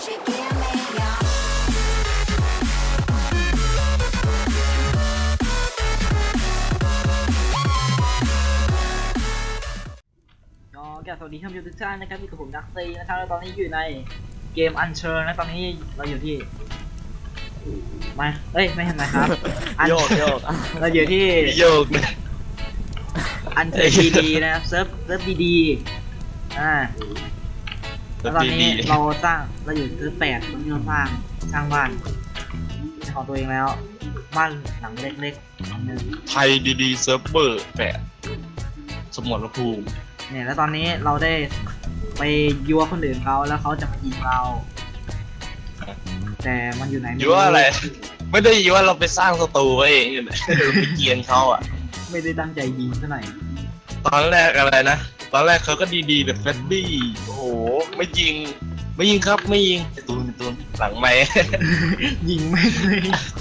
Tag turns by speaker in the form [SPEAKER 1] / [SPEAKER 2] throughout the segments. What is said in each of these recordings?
[SPEAKER 1] สวัสดีท่านผู้ชมทุกท่านนะครับอยู่กับผมดักซีนะครับแล้วตอนนี้อยู่ในเกมอันเชิญนะตอนนี้เราอยู่ที่มาไม่เห็นไหมครับ
[SPEAKER 2] โยก
[SPEAKER 1] เราอยู่ที่
[SPEAKER 2] โยก
[SPEAKER 1] อันเชิญดีๆนะครับเซิร์ฟดีแล้วตอนนี้เราอยู่เซิร์ฟ8ตอนนี้เราสร้างบ้านของตัวเองแล้วบ้านหลังเล็กๆหลังนึง
[SPEAKER 2] ไทยดีๆเซิร์ฟเวอร์8สมรภูมิ
[SPEAKER 1] เนี่ยแล้วตอนนี้เราได้ไปยั่วคนอื่นเขาแล้วเขาจะมายิงเราแต่มันอยู่ไหน
[SPEAKER 2] ยั่วอะไรไม่ได้ยั่วเราไปสร้างศัตรูเองไปเกียนเขาอ่ะ
[SPEAKER 1] ไม่ได้ตั้งใจยิงซะหน่อย
[SPEAKER 2] ตอนแรกอะไรนะตอนแรกเขาก็ดีๆแบบเฟรดดี้โอ้โหไม่ยิงครับไม่ยิงตูนหลังไม่
[SPEAKER 1] ยิงไม่เลย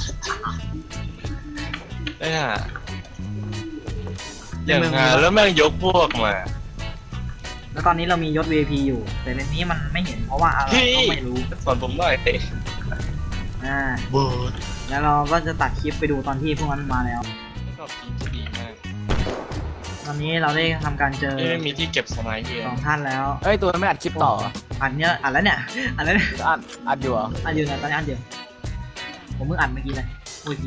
[SPEAKER 2] อย่างงานแล้วแม่งยกพวกมา
[SPEAKER 1] แล้วตอนนี้เรามียศ VIP อยู่แต่ในนี้มันไม่เห็นเพราะว่าอะไรก็ไม่รู้
[SPEAKER 2] สอนผมหน่อย
[SPEAKER 1] แล้วเราก็จะตัดคลิปไปดูตอนที่พวกนั้นมาแล้วตอนนี้เราได้ทำการเจอ
[SPEAKER 2] มีที่เก็บสไนเปอร์
[SPEAKER 1] 2ท่านแล้ว
[SPEAKER 3] ตัวไม่อัดคลิปต่อ
[SPEAKER 1] อัดแล้วเนี่ยอัด
[SPEAKER 3] อยู่เหรอ
[SPEAKER 1] อัดอยู่นะตอนนี้อัดอยู่ผมเพิ่งอัดเมื่อกี้เลยโอ้ยผี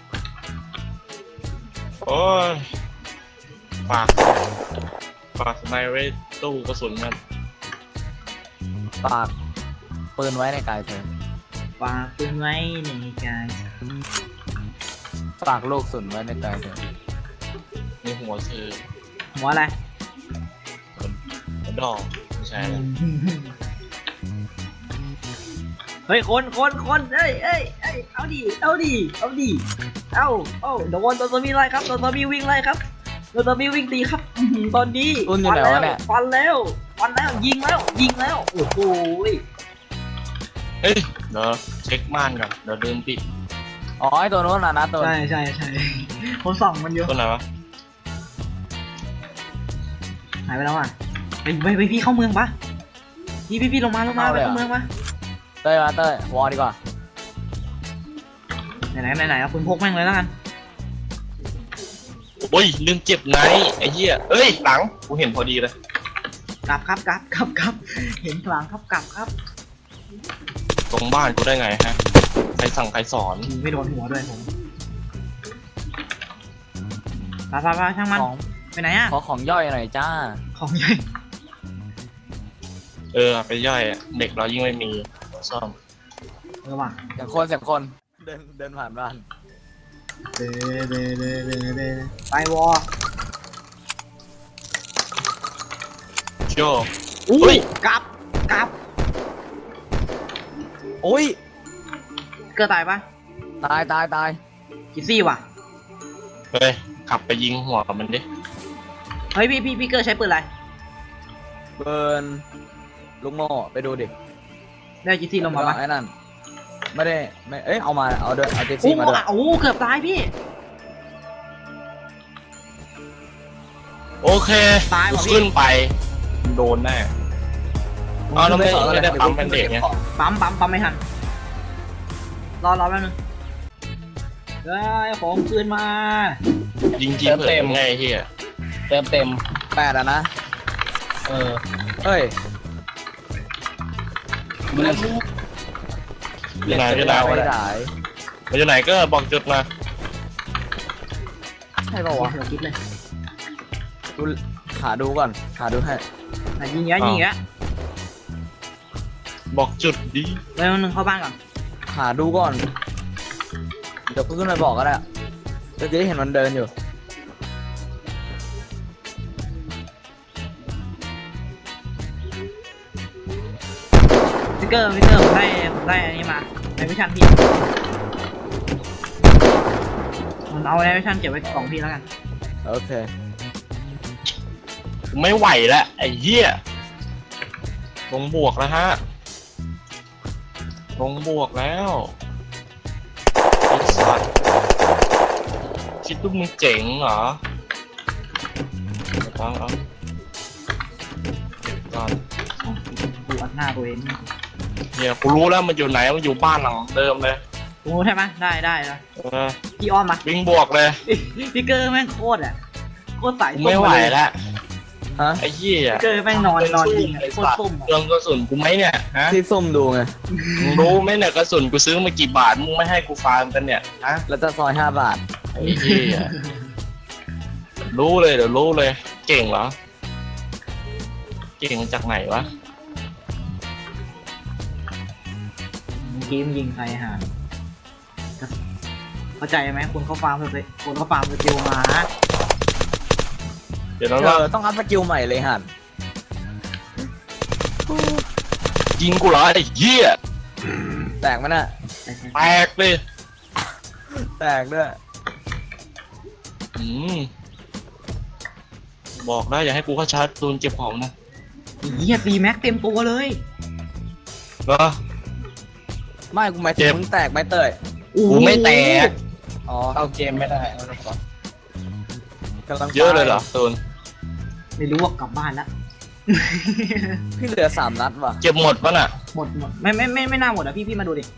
[SPEAKER 2] โอ้ยฝากสไนเปอร์ตู้กระสุนมัน
[SPEAKER 3] ฝากปืนไว้ในกายเธอ
[SPEAKER 1] ฝากปืนไว้ในกาย
[SPEAKER 3] ฝากลูกสุนไว้ในกายเธอ
[SPEAKER 2] ในหัวคือ
[SPEAKER 1] หัวอะไร
[SPEAKER 2] หัวดอกไม่ใช่
[SPEAKER 1] เฮ้ยคนเอ้ยเอาดิโดนตัวมีไล่ครับตัวมีวิ่งไล่ครับตัวมีวิ่งตีครับตอนนี้ฟันแล้วยิงแล้วโอ้โห
[SPEAKER 2] เฮ้ยเดี๋ยวเช็คม่านก่อนเดี๋ยวเดินปิด
[SPEAKER 3] ไอตัวโน้นนะตัว
[SPEAKER 1] ใช่ผมส่องมันอยู่
[SPEAKER 2] ตัวไหนวะ
[SPEAKER 1] หายไปแล้วอ่ะไปพี่เข้าเมืองปะพี่ลงมาไปเข้าเมืองปะ
[SPEAKER 3] เต้ยวอลดีกว่า
[SPEAKER 1] ไหนเอาปืนพกแม่งเลยแล้วกัน
[SPEAKER 2] โอ้ยลืมเจ็บไงไอ้เหี้ยเอ้ยหลังกูเห็นพอดีเลย
[SPEAKER 1] กลับเห็นหลังกลับ
[SPEAKER 2] ตรงบ้านกูได้ไงฮะใครสั่งใครสอน
[SPEAKER 1] ไม่โดนหัวด้วยผมไปช่างมันไปไหนอ่ะ
[SPEAKER 3] ขอของย่อยหน่อยจ้า
[SPEAKER 1] ของย่อย
[SPEAKER 2] ไปย่อยเด็กเรายิ่งไม่มีซ่อม
[SPEAKER 1] ว่ะ
[SPEAKER 3] เสียงคนเดินผ่านบ้าน
[SPEAKER 1] ไปวอ
[SPEAKER 2] โจ้
[SPEAKER 1] กลับ
[SPEAKER 3] โอ้ย
[SPEAKER 1] เกิดตายปะ
[SPEAKER 3] ตาย
[SPEAKER 1] กิซี่ว่ะ
[SPEAKER 2] เฮ้ยขับไปยิงหัวมันดิ
[SPEAKER 1] เฮ้ยพี่เกิดใช้ปืนอะไร
[SPEAKER 3] ปืนลูกโม่ไปดูดิ
[SPEAKER 1] ได้กิซี่ลงมาปะ
[SPEAKER 3] ไอ้นั่นไม่เอามาเอากิซี่มาด้วย
[SPEAKER 1] โอ้เกือบตายพี่
[SPEAKER 2] โอเค
[SPEAKER 1] ตาย
[SPEAKER 2] ขึ้นไปโดนแน่เราไม่ได้ปั๊มเป็นเด็กเนี่ย
[SPEAKER 1] ปั๊มไม่ทันรอแป๊บนึงของคืนมา
[SPEAKER 2] ยิงเต็มไงเฮีย
[SPEAKER 3] เต็ม8นะเฮ้ย
[SPEAKER 2] อยู่ไหนก็บอกจุดมา
[SPEAKER 1] ใช่ป่าววะเราคิดเลย
[SPEAKER 3] ดูหาดูก่อนหาดูให้
[SPEAKER 1] ยิงเงี้ย
[SPEAKER 2] บอกจุดดิ
[SPEAKER 1] แล้วนึงเข้าบ้านก่อน
[SPEAKER 3] หาดูก่อนเดี๋ยวขึ้นไปบอกก็ได้จะได้เห็นมันเดินอยู่
[SPEAKER 1] พิกเกอร์ผมได้อันนี้มาในวิชันพี่มันเอาในวิชันเก็บไว้ของพี่แล้วกัน
[SPEAKER 3] โอเค
[SPEAKER 2] ไม่ไหวแล้วไอ้เหี้ยลงบวกแล้วฮะลงบวกแล้วไอ้สัตว์คิดว่ามึงเจ๋งเหรอเอาก่อน
[SPEAKER 1] ดูอัดหน้าตัวเอง
[SPEAKER 2] เนี่ยกูรู้แล้วมันอยู่ไหนมันอยู่บ้านหลังเดิมเลย
[SPEAKER 1] โอ้ใช่ไหมได้นะ
[SPEAKER 2] เออ
[SPEAKER 1] พี่อ้อมมา
[SPEAKER 2] วิ่งบวกเลย
[SPEAKER 1] พี่เกอร์แม่งโคตรอะโคตรสาย
[SPEAKER 2] กู
[SPEAKER 1] ส้
[SPEAKER 2] ไม่ไหว
[SPEAKER 1] เลย
[SPEAKER 2] แล้ว
[SPEAKER 3] ฮะ
[SPEAKER 2] ไอ้เหี้ย
[SPEAKER 1] พี่เกอร์แม่งนอนยิงอะโคตรส้มอะ
[SPEAKER 2] เรื่องกระสุนกูไหมเนี่ยฮะ
[SPEAKER 3] ที่ซุ่มดูไง
[SPEAKER 2] มึงรู้ไหมเนี่ยกระสุนกูซื้อมากี่บาทมึงไม่ให้กูฟาร์มกันเนี่ยฮะ
[SPEAKER 3] แล้วจะซอย5 บาท
[SPEAKER 2] ไอ้เหี้ยรู้เลยเดี๋ยวรู้เลย เก่งเหรอเก่งจากไหนวะ
[SPEAKER 1] เมื่อกี้มันยิงใครหาเข้าใจไหมคนเขาฟาร์มเลยคนเขาฟาร์มสกิลมา
[SPEAKER 2] เดี๋ยวเรา
[SPEAKER 3] ต้องอัพสกิลใหม่เลยหัน
[SPEAKER 2] ยิงกูเหรอไอ้เหี้ย
[SPEAKER 3] แตกมันอ่ะ
[SPEAKER 2] แตกเลย
[SPEAKER 3] แตกด้วย
[SPEAKER 2] อืมบอกได้อย่าให้กูเข้าชาร์จตูนเก็บของนะ
[SPEAKER 1] เหี้ยตีแม็กเต็มตัวเลย
[SPEAKER 2] เหรอ
[SPEAKER 3] ไม่กูหมายถึ
[SPEAKER 2] เจ็
[SPEAKER 3] ง
[SPEAKER 2] บ
[SPEAKER 3] มึงแตกไหมเตย
[SPEAKER 2] กูไม่แตก
[SPEAKER 3] อ๋อ
[SPEAKER 2] เอาเกมไม่ได้
[SPEAKER 3] กำลัง
[SPEAKER 2] เยอะเลยเหรอตูน
[SPEAKER 1] ไม่รู้ว่ากลับบ้านแล้ว
[SPEAKER 3] พี่เหลือ3 นัดว่ะ
[SPEAKER 2] เก็บหมดปะน่ะ
[SPEAKER 1] หมดไม่น่าหมดอ่ะพี่มาดูดิ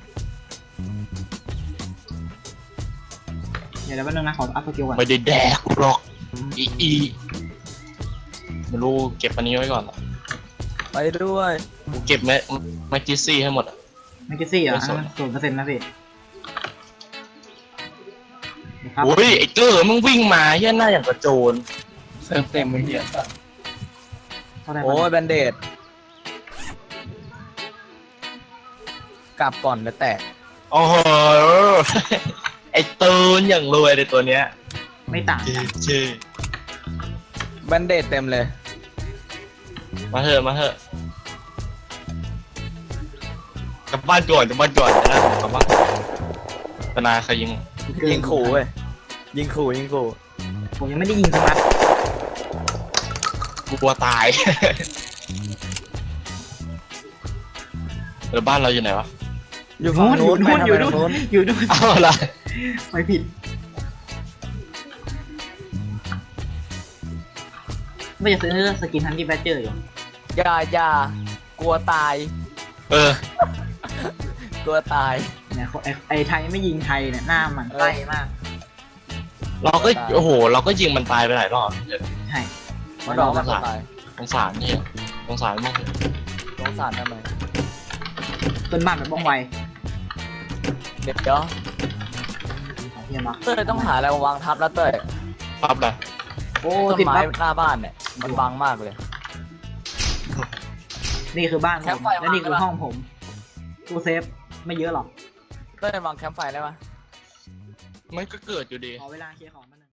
[SPEAKER 1] เดี๋ยวแป๊บนึงนะขออัพสกิลก่อน
[SPEAKER 2] ไม่ได้แดกหรอกอีไม่รู้เก็บอันนี้ไว้ก่อน
[SPEAKER 3] ไปด้วย
[SPEAKER 2] กูเก็บแมจิซี่ให้หมดอะ
[SPEAKER 1] ไม่กี่ซี่เหรอ
[SPEAKER 2] ไม่สน
[SPEAKER 1] 0%นะพี่นะครับ
[SPEAKER 2] โอ้ยไอ้เกอร์มึงวิ่งมาเฮี้ยหน้าอย่างกระโจนเติมเต็มไปเฮี้ย
[SPEAKER 1] เท่าไหร่
[SPEAKER 3] โอ้ยแบนเดดกลับก่อนแล้วแตก
[SPEAKER 2] โอ้โหไอ้ตูนอย่างรวยเลยตัวเนี้ย
[SPEAKER 1] ไม่ต่าง
[SPEAKER 2] เจ๊
[SPEAKER 1] กัน
[SPEAKER 2] เจ๊
[SPEAKER 3] แบนเดดเต็มเลย
[SPEAKER 2] มาเถอะกลับบ้านก่อนนะกลับบ้านปนาใครยิง
[SPEAKER 3] ยิงขู่เว้ยยิงขู่
[SPEAKER 1] ผมยังไม่ได้ยิงสักนัด
[SPEAKER 2] กูกลัวตาย แล้วบ้านเราอยู่ไหนวะ
[SPEAKER 3] อยู่ฝั่งนู้นไปทำไมทางนู้น
[SPEAKER 1] อยู่นู่น
[SPEAKER 2] อ้าวอะไร
[SPEAKER 1] ไปผิดไม่จะซื้อสกินทันที่แบดเจอร์อยู่
[SPEAKER 3] อย่ากลัวตาย
[SPEAKER 2] เออ
[SPEAKER 3] กลัวตาย
[SPEAKER 1] เนี่ยไอ้ไทยไม่ยิงไทยเนี่ยหน้ามันใต้มาก
[SPEAKER 2] เราก็โอ้โห เราก็ยิงมันตายไปหลายรอบ
[SPEAKER 1] ใช่
[SPEAKER 3] มันบอกว่าตาย
[SPEAKER 2] สงสารนี่สงสารมาก
[SPEAKER 3] สงสารทำไม
[SPEAKER 1] ต้นบ้านแบบบ้องไว
[SPEAKER 3] เดี๋ยว
[SPEAKER 1] ของเฮียมา
[SPEAKER 3] เต้ยต้องหาอะไรมาวางทับแล้วเต้ย
[SPEAKER 2] ปั๊บเลย
[SPEAKER 1] โอ้
[SPEAKER 3] ต้น
[SPEAKER 1] ติด
[SPEAKER 3] ไม้
[SPEAKER 1] ปั๊บ
[SPEAKER 3] หน้าบ้านเนี่ยมันบังมากเลย
[SPEAKER 1] นี่คือบ้านผ
[SPEAKER 3] แคม
[SPEAKER 1] ม
[SPEAKER 3] ป์ไฟ
[SPEAKER 1] และนี่คือ
[SPEAKER 3] วางไว้
[SPEAKER 1] ห้องผมตู้เซฟไม่เยอะหรอก
[SPEAKER 3] เต้ยวางแคมป์ไฟได้ปะ
[SPEAKER 2] มันก็เกิดอยู่ดี
[SPEAKER 1] ขอเวลาเคลียร์ของมัน